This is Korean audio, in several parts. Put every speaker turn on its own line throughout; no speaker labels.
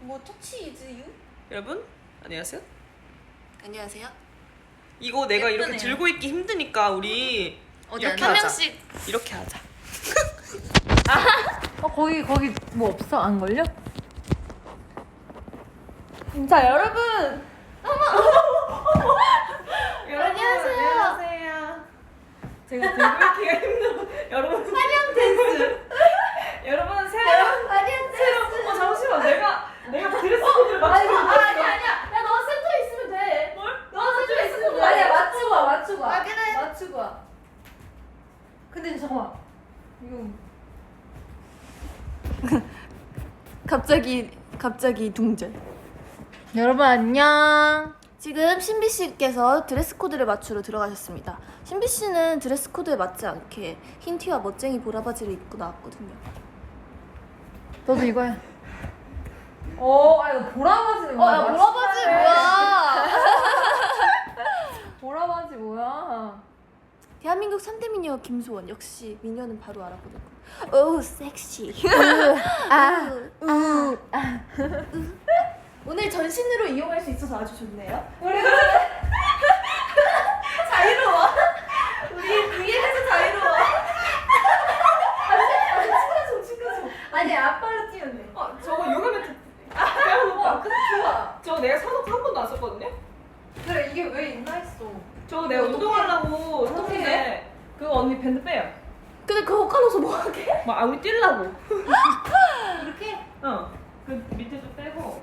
뭐 터치 이즈 유?
여러분 안녕하세요.
안녕하세요.
이거 내가
예쁘네요.
이렇게 들고 있기 힘드니까 우리 이렇게
한
하자.
명씩.
이렇게 하자.
거기 뭐 없어? 안 걸려?
자 여러분.
안녕하세요. 안녕하세요. 제가 들고 있기가 힘들어. 여러분
사냥 댄스.
여러분 새로
사냥 댄스.
잠시만 내가 드레스 코드를 맞추고
아니야. 야 너 센터에 있으면 돼.
뭘?
너 센터에 있으면 돼.
아니야, 맞추고 와.
아, 그래.
맞추고 와. 근데 잠깐만. 이거
갑자기 둥절.
여러분 안녕.
지금 신비 씨께서 드레스 코드를 맞추러 들어가셨습니다. 신비 씨는 드레스 코드에 맞지 않게 흰 티와 멋쟁이 보라바지를 입고 나왔거든요.
너도 이거야. 이거 보라바지는
야 보라바지 뭐야?
보라바지 뭐야?
대한민국 3대 미녀 김소원 역시 미녀는 바로 알아보는 거. 오 섹시. 오늘 전신으로 이용할 수 있어서 아주 좋네요. 자유로워. 우리 위에서 자유로워. 친구죠.
아니 아빠로 뛰면 돼.
저거 요가 매트 빼놓을까?
근데 좋아.
저거 내가 사놓고 한 번도 안 썼거든요?
그래 이게 왜 있나 했어.
저거 내가 운동하려고
어떡해?
샀는데 그거 언니 밴드 빼요.
근데 그거 까놓고서 뭐 하게?
우리 뛰려고.
이렇게?
그 밑에 좀 빼고.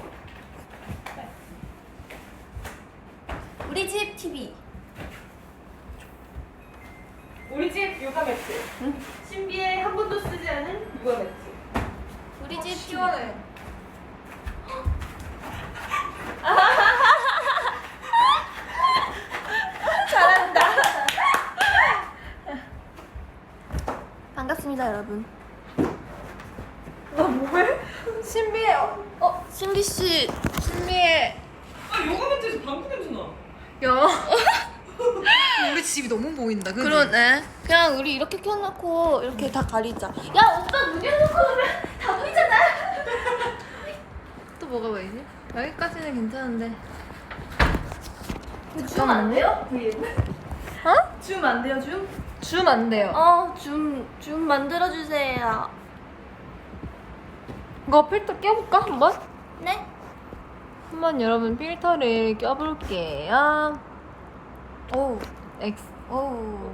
우리 집 TV.
우리 집 요가 매트. 신비의 한 번도 쓰지 않은 요가 매트.
우리 집 TV.
시원해.
반갑습니다 여러분.
나 뭐해? 신비해.
신비 씨.
신비해.
요가 매트에서 방구 냄새 나.
야. 우리 집이 너무 보인다. 그지?
그러네. 그냥 우리 이렇게 켜놓고 이렇게 다 가리자. 야 오빠 문 열어놓고 오면 다 보이잖아.
또 뭐가 보이지? 여기까지는 괜찮은데.
줌 안 돼요? VM?
어?
줌 안 돼요 줌?
줌 안 돼요.
줌 만들어주세요.
이거 필터 껴볼까 한번?
네?
한번 여러분 필터를 껴볼게요.
오.
X.
오.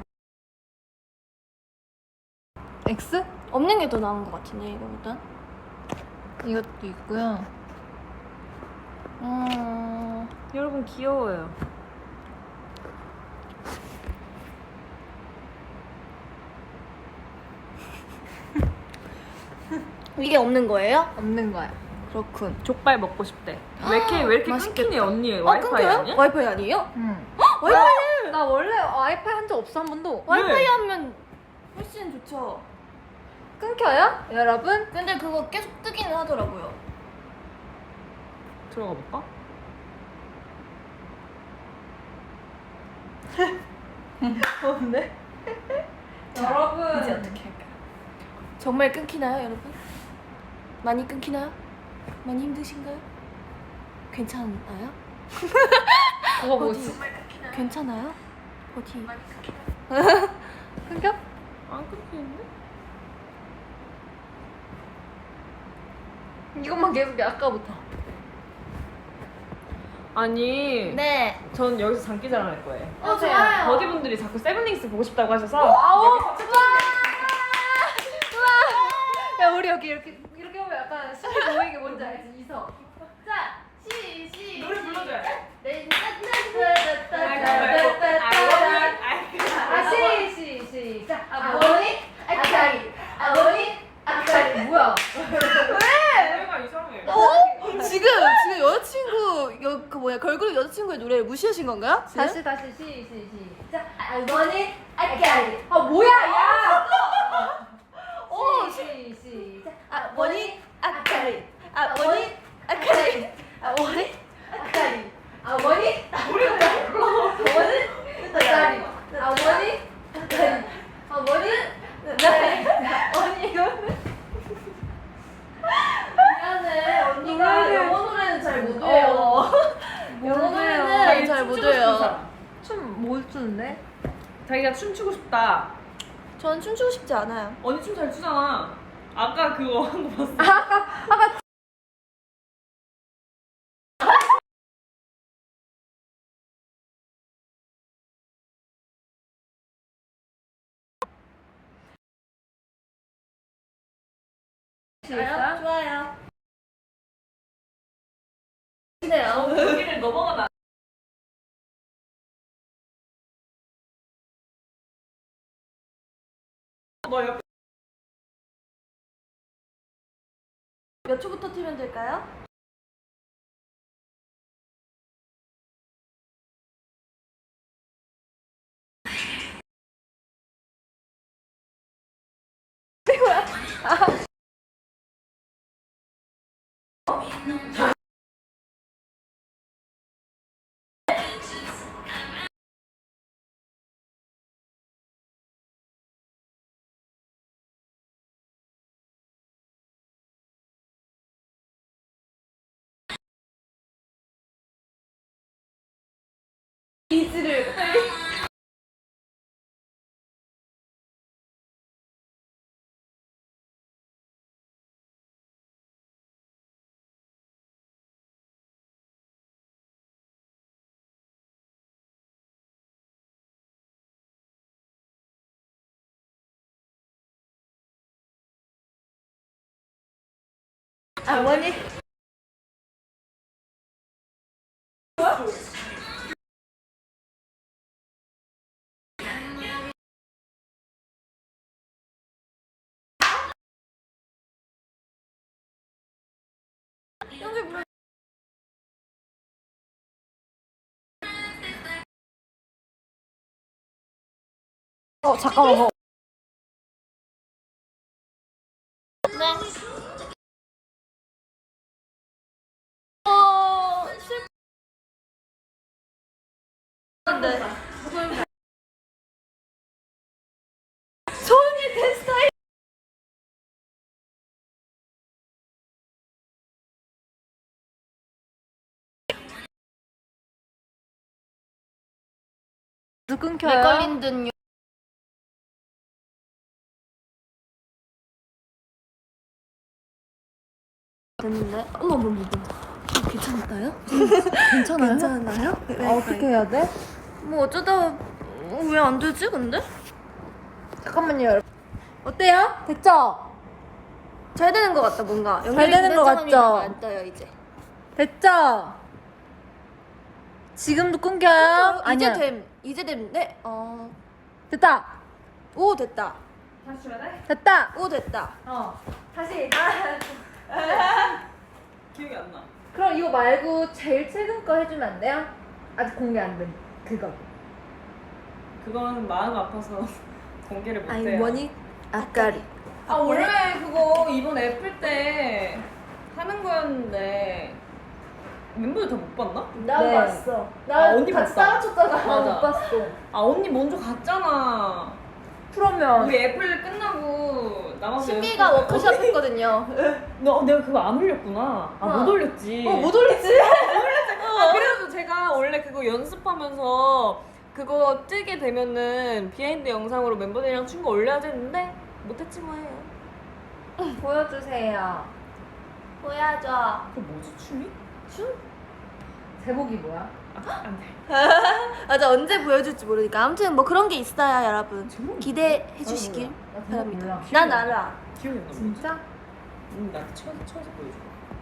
X?
없는 게 더 나은 것 같은데 이거보다.
이것도 있고요.
여러분 귀여워요.
이게 없는 거예요?
없는 거야.
그렇군.
족발 먹고 싶대. 왜 이렇게
맛있겠다.
끊기니 언니? 와이파이
끊겨요?
아니야?
와이파이 아니에요?
응.
와이파이.
나 원래 와이파이 한 적 없어 한 번도.
와이파이 하면 훨씬 좋죠.
끊겨요? 여러분?
근데 그거 계속 뜨기는 하더라고요.
들어가 볼까?
없네.
자,
여러분.
이제 어떻게 할까요? 정말 끊기나요, 여러분? 많이 끊기나요? 많이 힘드신가요? 괜찮아요?
그거 뭐지?
괜찮아요? 어디?
끊겨?
안 끊기는데?
이것만 계속해 아까부터.
아니
네.
전 여기서 장기자랑 할 거예요.
좋아요.
버디분들이 자꾸 세븐링스 보고 싶다고 하셔서
아우
여기서
야 우리 여기 이렇게 하면 약간 신비 보이게 뭔지 알지? 이서.
자,
노래 불러줘야 돼.
네.
시작.
아버니, 아카리, 아버니, 아카리.
뭐야?
노래가 이상해.
지금 여자친구 그 뭐야 걸그룹 여자친구의 노래를 무시하신 건가요?
다시 시작.
아버니, 아카리.
뭐야 야?
시작. 아버니, 아카리, 아버니, 아카리, 아버니, 아카리, 아버니,
노래가 불러.
아버니, 아카리, 아버니, 아카리, 아버니, 아카리, 언니 이거는 미안해 언니가
잘 못 해요.
영어 노래는
자기
잘 못
춤추고 싶은
해요.
사람.
춤못 추는데?
자기가 춤추고 싶다.
전 춤추고 싶지 않아요.
언니 춤 잘 추잖아. 아까 그거 한 거 봤어.
좋아요. 네요.
여기를 넘어가면 너 옆에
몇 초부터 틀면 될까요? 어머니.
잠깐만.
네. 슬픈데. 소은이 된 스타일.
끊겨요?
내 걸린 듯요. 됐는데? 어머. 괜찮나요?
괜찮아요?
괜찮나요?
어떻게 해야 돼?
뭐 어쩌다 왜 안 되지 근데?
잠깐만요, 여러분. 어때요? 됐죠?
잘 되는 것 같다 뭔가.
잘 되는 것 같죠?
안 떠요 이제.
됐죠? 지금도 끊겨요? 아니야.
이제 됨. 네.
됐다.
오 됐다.
다시 줘야 돼?
됐다.
오 됐다.
다시.
기억이 안 나.
그럼 이거 말고 제일 최근 거 해주면 안 돼요? 아직 공개 안 된 그거.
그건 마음 아파서 공개를 못 해요.
뭐니? 아까리.
아 원래 그거 이번 애플 때 하는 거였는데 멤버들 다 못 봤나?
나
네.
봤어.
아, 언니 봤다.
따라쳤잖아.
맞아.
못 봤어.
아 언니 먼저 갔잖아.
그러면
우리 애플 끝나고 남아서
신비가
연습-
워크숍 했거든요.
내가 그거 안 올렸구나. 못 올렸지.
못 올리지?
아, 그래도 제가 원래 그거 연습하면서 그거 뜨게 되면은 비하인드 영상으로 멤버들이랑 춘 거 올려야 되는데 못했지 뭐예요.
보여주세요.
보여줘.
그거 뭐지 춤이?
제목이 뭐야?
안 돼.
맞아 언제 보여줄지 모르니까 아무튼 뭐 그런 게 있어요 여러분.
제목이
기대해 주시길
나 제목
바랍니다.
몰라.
난 알아.
기억이 안 나.
진짜?
나한테 쳐서 보여줘.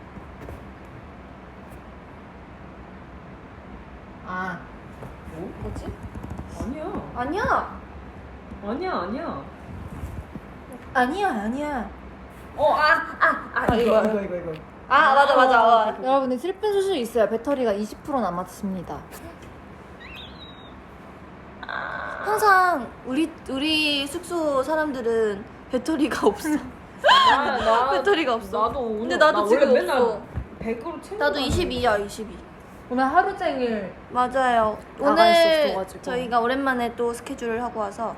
아,
뭐?
뭐지?
아니야.
아니야.
아니야.
아니야.
이거.
아 맞아.
여러분들 슬픈 소식이 있어요. 배터리가 20% 남았습니다.
항상 우리 숙소 사람들은 배터리가 없어. 배터리가 없어.
나도 오늘
근데 나도
나
지금
원래 맨날
없어.
100으로 채우고
나도
다니는데.
22야 22.
오늘 하루 종일
맞아요.
나갈 수
오늘
없어가지고.
저희가 오랜만에 또 스케줄을 하고 와서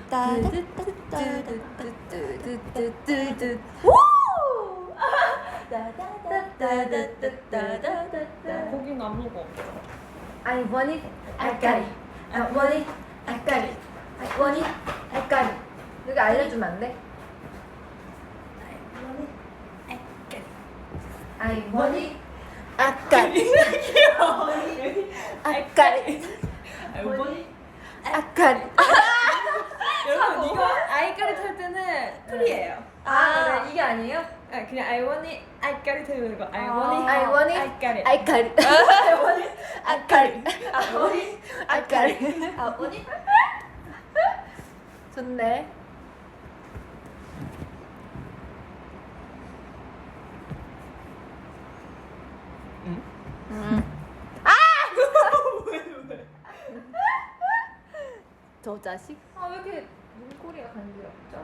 거긴 안 먹어.
I want it, I got it. I want it, I got it. I want it, I got it. 여기 알려주면 안 돼? I want it,
아까리 아까리
알보니?
아까리
여러분 이거 아이까리 탈 때는 풀이에요.
아, 그래, 이게 아니에요?
아, 그냥 I want it, I got it 해도 되고 I
아,
want it,
I want it,
I got it.
아까리 아까리 아까리
아, 뭐니? 좋네.
저 자식
아, 왜 이렇게 눈꼬리가 간지럽죠?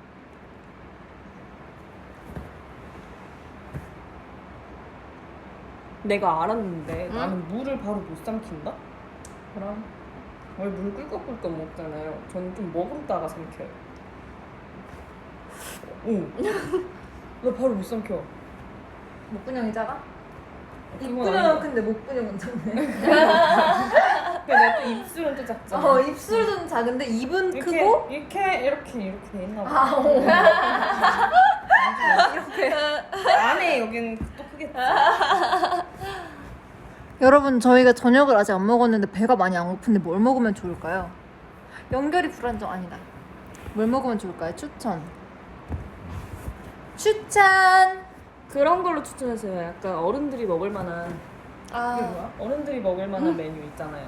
내가 알았는데
응?
나는 물을 바로 못 삼킨다? 그럼 원래 물 꿀꺽꿀꺽 먹잖아요. 저는 좀 머금다가 삼켜요. 응. 나 바로 못 삼켜.
목근형이 작아?
그건
입근형은
아니야.
근데 목근형은 작네.
근데 내가 또 입술은 또 작잖아.
입술은 작은데 입은
이렇게,
크고
이렇게 돼 있나 봐.
아, 오.
안에 여기는 또 크겠지.
여러분, 저희가 저녁을 아직 안 먹었는데 배가 많이 안 고픈데 뭘 먹으면 좋을까요? 연결이 불안정 아니다. 뭘 먹으면 좋을까요? 추천.
그런 걸로 추천해서요. 약간 어른들이 먹을 만한 이게
아
뭐야? 어른들이 먹을 만한 메뉴 있잖아요.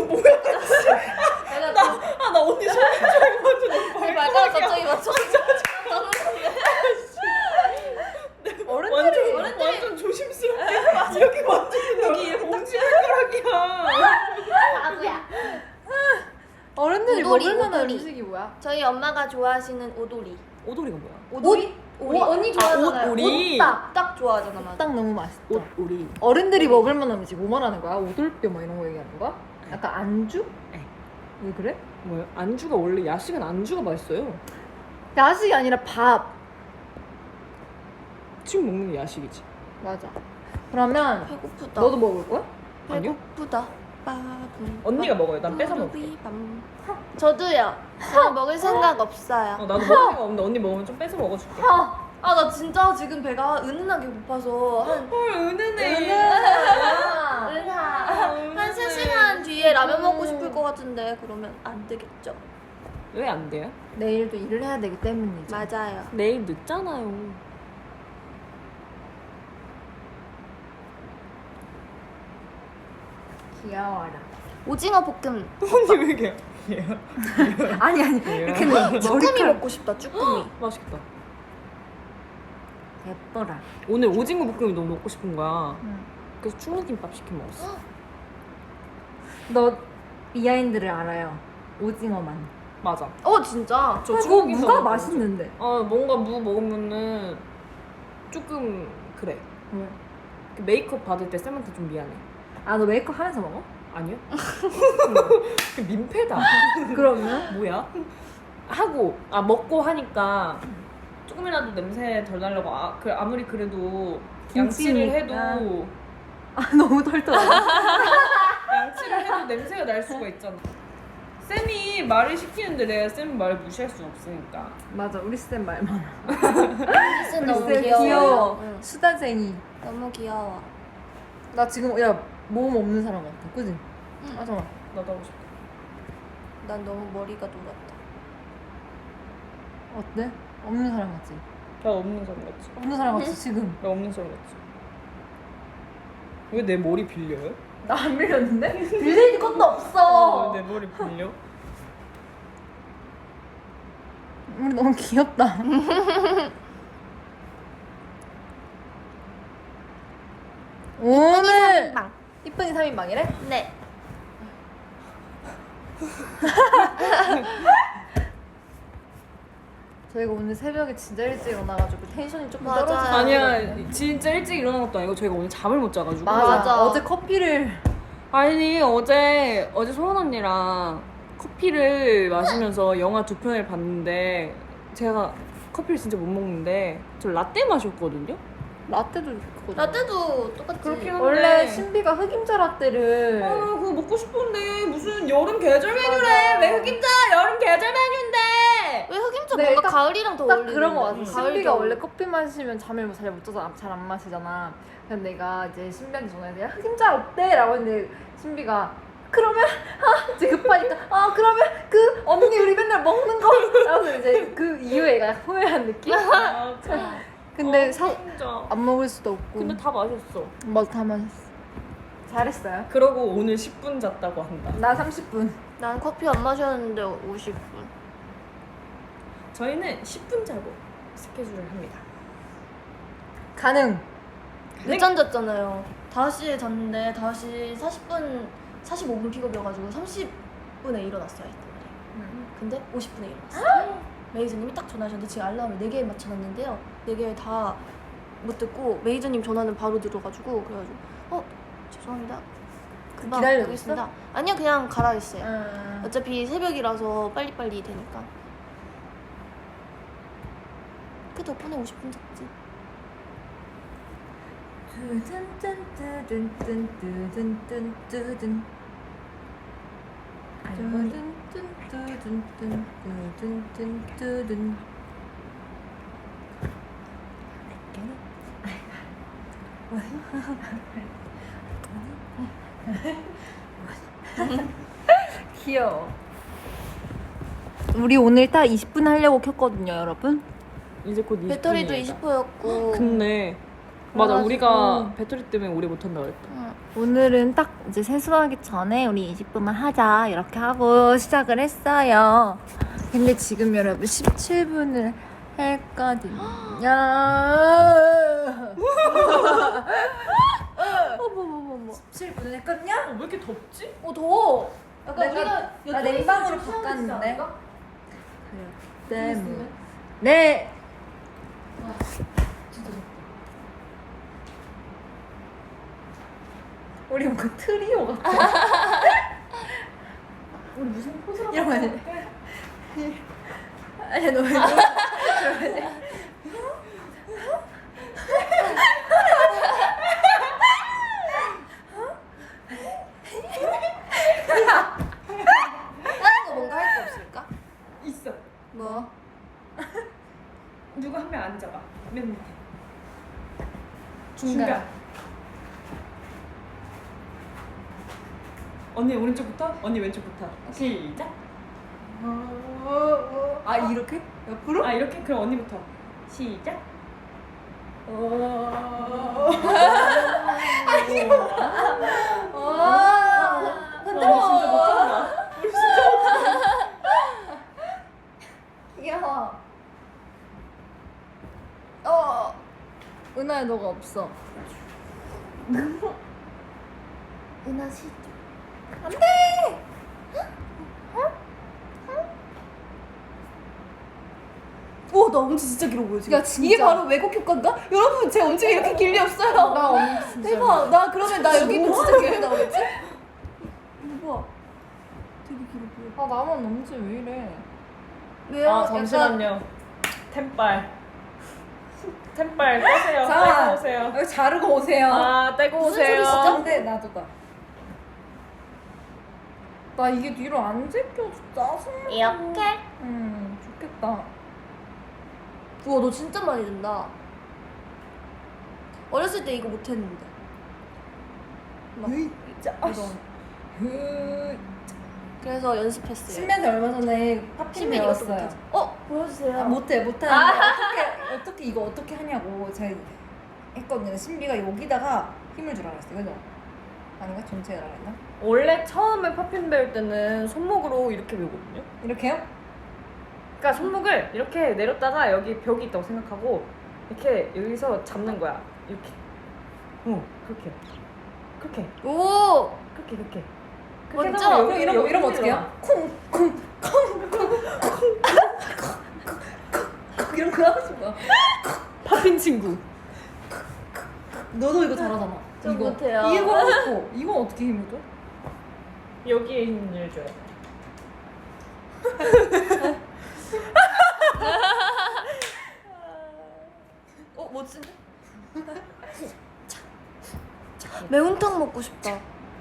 내가
나 언니 손
발가락 갑자기 맞췄어
어른들이
완전 조심스럽게 여기 완전 여기 엄지발가락이야.
아구야
어른들이
오돌이,
먹을 만한
오돌이.
음식이 뭐야?
저희 엄마가 좋아하시는 오돌이
오돌이가 뭐야?
오돌이? 언니 좋아하잖아요.
오돌이.
딱 좋아하잖아 맞아
딱 너무 맛있죠.
오리.
어른들이 먹을 만한 음식 뭐 말하는 거야? 오돌뼈 뭐 이런 거 얘기하는 거야? 약간 안주?
네.
왜 그래?
뭐야? 안주가 원래 야식은 안주가 맛있어요.
야식이 아니라 밥.
지금 먹는 게 야식이지.
맞아. 그러면
배고프다
너도 먹을 거야?
아니요?
배고프다 빠밤
언니가 먹어요. 난 뺏어 먹을게.
빠밤. 저도요 저 먹을 생각 없어요
나도 먹을 생각 없는데 언니 먹으면 좀 뺏어 먹어줄게.
아 나 진짜 지금 배가 은은하게 고파서 한
헐 은은해.
아.
한 3시간 뒤에 라면 먹고 싶을 것 같은데 그러면 안 되겠죠?
왜 안 돼요?
내일도 일을 해야 되기 때문이죠.
맞아요
내일 늦잖아요.
귀여워라.
오징어 볶음
언니 왜 이렇게?
아니
이렇게
쭈꾸미 먹고 싶다 쭈꾸미
맛있겠다.
예뻐라.
오늘 오징어 볶음이 너무 먹고 싶은 거야.
응.
그래서 충무김밥 시켜 먹었어.
너 비하인드를 알아요. 오징어만.
맞아.
진짜?
저
그거
충무김밥
무가
먹었어.
맛있는데.
뭔가 무 먹으면은 조금 그래.
왜?
그 메이크업 받을 때 쌤한테 좀 미안해.
아, 너 메이크업 하면서 먹어?
아니요? 그 민폐다.
그러면?
뭐야? 하고 먹고 하니까 조금이라도 냄새 덜 나려고 아무리 그래도 양치를 해도
너무 털털해.
양치를 해도 냄새가 날 수가 있잖아. 쌤이 말을 시키는데 내가 쌤 말을 무시할 수 없으니까.
맞아, 우리 쌤 말 많아.
쌤
우리
너무
쌤
귀여워 응.
수다쟁이.
너무 귀여워
나 지금 모험 없는 사람 같아. 그지?
응.
맞아.
나도 하고 싶다.
난 너무 머리가 노랗다
어때? 없는 사람 같지?
나 없는 사람 같지?
없는 사람 같지 지금?
나 없는 사람 같지? 왜 내 머리 빌려요?
나 안 밀렸는데? 빌릴 것도 없어.
왜 내 머리 빌려?
우리 너무 귀엽다. 오늘
빵.
이쁜이 3인방이래?
네
저희가 오늘 새벽에 진짜 일찍 일어나가지고 텐션이 조금
맞아요.
떨어졌어요.
아니야 진짜 일찍 일어난 것도 아니고 저희가 오늘 잠을 못 자가지고
맞아.
맞아.
어제 커피를
아니 어제 소원 언니랑 커피를 마시면서 영화 2편을 봤는데 제가 커피를 진짜 못 먹는데 저 라떼 마셨거든요?
라떼도 그거죠.
라떼도 똑같지.
그렇긴 한데
원래 신비가 흑임자 라떼를
아 그거 먹고 싶은데 무슨 여름 계절 메뉴래. 왜 흑임자 여름 계절 메뉴인데.
왜 흑임자
네,
뭔가
딱-
가을이랑 더
딱
어울리는
그런 거 같아.
응.
신비가 원래 커피 마시면 잠을 잘 못 자서 잘 안 마시잖아. 근데 내가 이제 신비한테 전화해서 야 흑임자 어때? 라고 했는데 신비가 그러면 이제 급하니까 그러면 그 언니 우리 맨날 먹는 거 라고 이제 그 이후에 얘가 후회한 느낌?
아, 참.
근데
흑임자.
안 먹을 수도 없고
근데 다 마셨어.
맞아 다 마셨어. 잘했어요.
그러고 오늘 10분 잤다고 한다.
나 30분.
난 커피 안 마셨는데 50분.
저희는 10분 자고 스케줄을 합니다.
가능.
늦잠 잤잖아요. 5시에 잤는데 5시 45분 픽업이어가지고 30분에 일어났어야 했단 말이에요. 근데 50분에 일어났어요. 매니저님이 딱 전화하셨는데 지금 알람을 4개에 맞춰놨는데요. 4개 다 못 듣고 매니저님 전화는 바로 들어가지고 그래가지고 죄송합니다. 금방
기다리고
오겠습니다. 아니요 그냥 가라 했어요.
응.
어차피 새벽이라서 빨리빨리 되니까. 그 덕분에 50분 잤지.
귀여워. 우리 오늘 딱 20분 하려고 켰거든요, 여러분.
이제 곧 20분이다.
배터리도 20%였고.
근데 맞아
그래가지고-
우리가 배터리 때문에 오래 못한다 그랬다.
오늘은 딱 이제 세수하기 전에 우리 20분만 하자 이렇게 하고 시작을 했어요. 근데 지금 여러분 17분을 했거든요.
어머머머머.
17분을 했거든요?
왜 이렇게 덥지?
더워. 약간
내가-
우리가
나 냉방으로
좀
바꿨는데.
않을까?
때문에. 네. 우리 뭔가 트리오 같아.
우리 무슨 포즈라고
이런 거 아니야? 아니 너 왜?
다른 거 뭔가 할 거 없을까?
있어.
뭐?
누가 한 명 앉아봐. 맨 밑에.
중간.
언니 오른쪽부터, 언니 왼쪽부터. 시작.
아 이렇게? 옆으로?
아 이렇게? 그럼 언니부터. 시작. 우리 진짜 못한다. 우리 진짜
귀여워. 은하야 너가 없어.
은하 씨. 오, 나 엄지 진짜 길어 보여 지금.
야, 진짜.
이게 바로 왜곡 효과인가? 여러분 제 엄지가 이렇게 길리 없어요.
나 엄지 진짜.
대박. 나 그러면 나 여기 있는 진짜 길게 나오겠지? 이거 봐. 되게 길어 보여.
아 나만 엄지 왜 이래?
왜요?
아 잠시만요. 템빨. 템빨 떼세요.
잠깐만.
떼고 오세요.
여기 자르고 오세요.
아 떼고
무슨
오세요.
소리시죠?
근데 나도 나. 나 이게 뒤로 안 제껴. 짜증나.
이렇게?
좋겠다.
우와, 너 진짜 많이 준다. 어렸을 때 이거 못했는데. 막
진짜.
이런. 그래서 연습했어요.
신면서 얼마 전에 팝핀
신비 이것도
배웠어요.
못하지. 보여주세요.
아, 못하는데 어떻게 이거 어떻게 하냐고 제가 했거든요. 신비가 여기다가 힘을 주라 그랬어요. 그죠? 아닌가? 전체에 주라 그랬나?
원래 처음에 팝핀 배울 때는 손목으로 이렇게 배우거든요.
이렇게요?
그러니까 손목을 이렇게 내렸다가 여기 벽이 있다고 생각하고 이렇게 여기서 잡는 거야. 이렇게. 그렇게. 그렇게.
오!
그렇게.
먼저.
하다가
그럼 이러면 어떻게 해요? 쿵쿵쿵쿵쿵 이런 거 하고 싶어.
팝핀 친구.
너도 이거 잘하잖아.
저
이거.
못해요.
이거 하고 싶어. 이건 어떻게 힘을 줘?
여기에 힘을 줘요.
멋진데? 매운탕 먹고 싶다.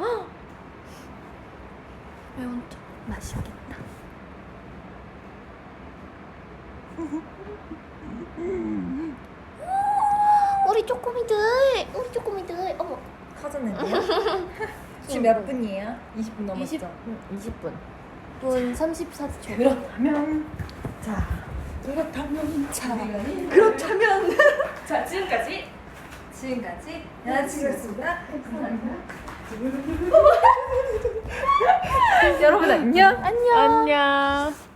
매운탕.
맛있겠다.
우리 쪼꼬미들. 어머.
터졌는데요? 지금 몇 분이에요? 20분 넘었죠?
20분.
분 34초.
그렇다면 자 그렇다면
자, 지금까지
여자친구였습니다. 감사합니다.
여러분 안녕.
안녕.
안녕.